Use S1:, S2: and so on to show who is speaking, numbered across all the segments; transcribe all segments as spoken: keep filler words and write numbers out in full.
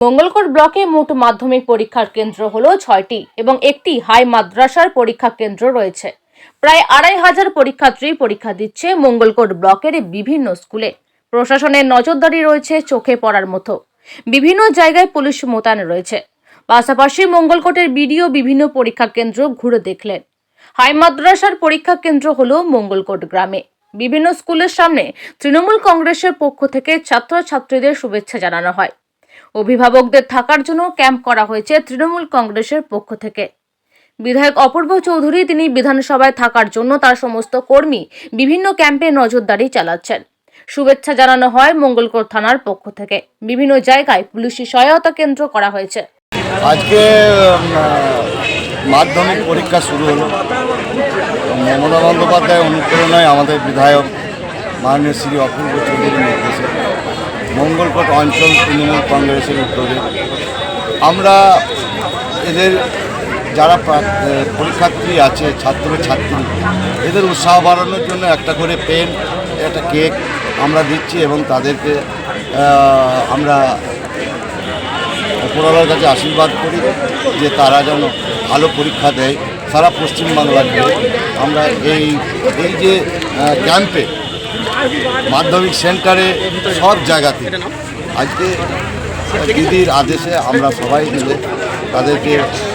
S1: মঙ্গলকোট ব্লকে মোট মাধ্যমিক পরীক্ষার কেন্দ্র হলো ছয়টি এবং একটি হাই মাদ্রাসার পরীক্ষা কেন্দ্র রয়েছে। প্রায় আড়াই হাজার পরীক্ষার্থী পরীক্ষা দিচ্ছে মঙ্গলকোট ব্লকের বিভিন্ন স্কুলে। প্রশাসনের নজরদারি রয়েছে চোখে পড়ার মতো। বিভিন্ন জায়গায় পুলিশ মোতায়েন রয়েছে। পাশাপাশি মঙ্গলকোটের বিডিও বিভিন্ন পরীক্ষা কেন্দ্র ঘুরে দেখলেন। হাই মাদ্রাসার পরীক্ষা কেন্দ্র হলো মঙ্গলকোট গ্রামে। বিভিন্ন স্কুলের সামনে তৃণমূল কংগ্রেসের পক্ষ থেকে ছাত্রছাত্রীদের শুভেচ্ছা জানানো হয়। অভিভাবকদের থাকার জন্য ক্যাম্প করা হয়েছে তৃণমূল কংগ্রেসের পক্ষ থেকে। বিধায়ক অপূর্ব চৌধুরী তিনি বিধানসভায় থাকার জন্য তার সমস্ত কর্মী বিভিন্ন ক্যাম্পে নজরদারি চালাচ্ছেন। শুভেচ্ছা জানানো হয় মঙ্গলকোট থানার পক্ষ থেকে। বিভিন্ন জায়গায় পুলিশি সহায়তা কেন্দ্র করা হয়েছে।
S2: আজকে মাধ্যমিক পরীক্ষা শুরু হলো। মমতা বন্দ্যোপাধ্যায় অনুপ্রেরণায় আমাদের বিধায়ক মাননীয় শ্রী অপূর্ব চৌধুরীর নির্দেশে মঙ্গলকোট অঞ্চল তৃণমূল কংগ্রেসের উদ্যোগে আমরা এদের যারা পরীক্ষার্থী আছে ছাত্র ছাত্রী এদের উৎসাহ বাড়ানোর জন্য একটা করে পেন একটা কেক আমরা দিচ্ছি এবং তাদেরকে আমরা উপরওয়ালার কাছে আশীর্বাদ করি যে তারা যেন ভালো পরীক্ষা দেয় সারা পশ্চিমবাংলার। আমরা এই এই যে ক্যাম্পে মাধ্যমিক সেন্টারে সব জায়গাতে আজকে দিদির আদেশে আমরা সবাই মিলে তাদেরকে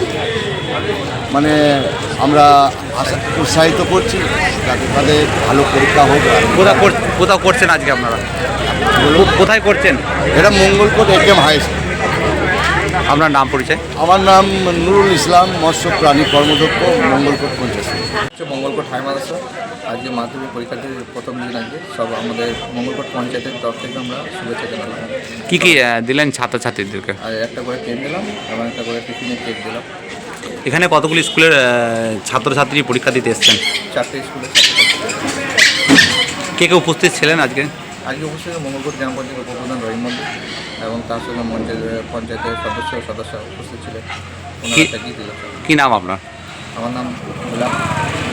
S2: মানে আমরা উৎসাহিত করছি যাতে তাদের ভালো পরীক্ষা হোক।
S3: কোথাও কোথাও করছেন আজকে আপনারা? কোথায় করছেন?
S2: এটা মঙ্গলকোট এ কেম হাই স্কুল।
S3: আপনার নাম পরিচয়?
S2: আমার নাম নুরুল ইসলাম, মৎস্য প্রাণী কর্মদক্ষ, মঙ্গলকোট পঞ্চায়েত।
S4: হচ্ছে মঙ্গলকোট হাই মাদ্রাসা। আজকে মাধ্যমিক পরীক্ষার্থীর প্রথম দিন আজকে সব আমাদের মঙ্গলকোট পঞ্চায়েতের তরফ থেকে আমরা শুভেচ্ছা জানালাম।
S3: কী কী দিলেন ছাত্রছাত্রীদেরকে?
S4: আর একটা করে পেন দিলাম এবং একটা করে টিফিনের কেক দিলাম।
S3: এখানে কতগুলি স্কুলের ছাত্রছাত্রী পরীক্ষা দিতে এসছেন?
S4: চারটে স্কুলের
S3: কে কে উপস্থিত ছিলেন আজকে?
S4: আজকে উপস্থিত মঙ্গলকোট গ্রাম পঞ্চায়েত উপপ্রধান রহিম মন্দির এবং তার সঙ্গে পঞ্চায়েতের সদস্য সদস্য উপস্থিত ছিলেন। ওনারা দিলাম।
S3: কী নাম আপনার?
S4: আমার নাম গোলাম।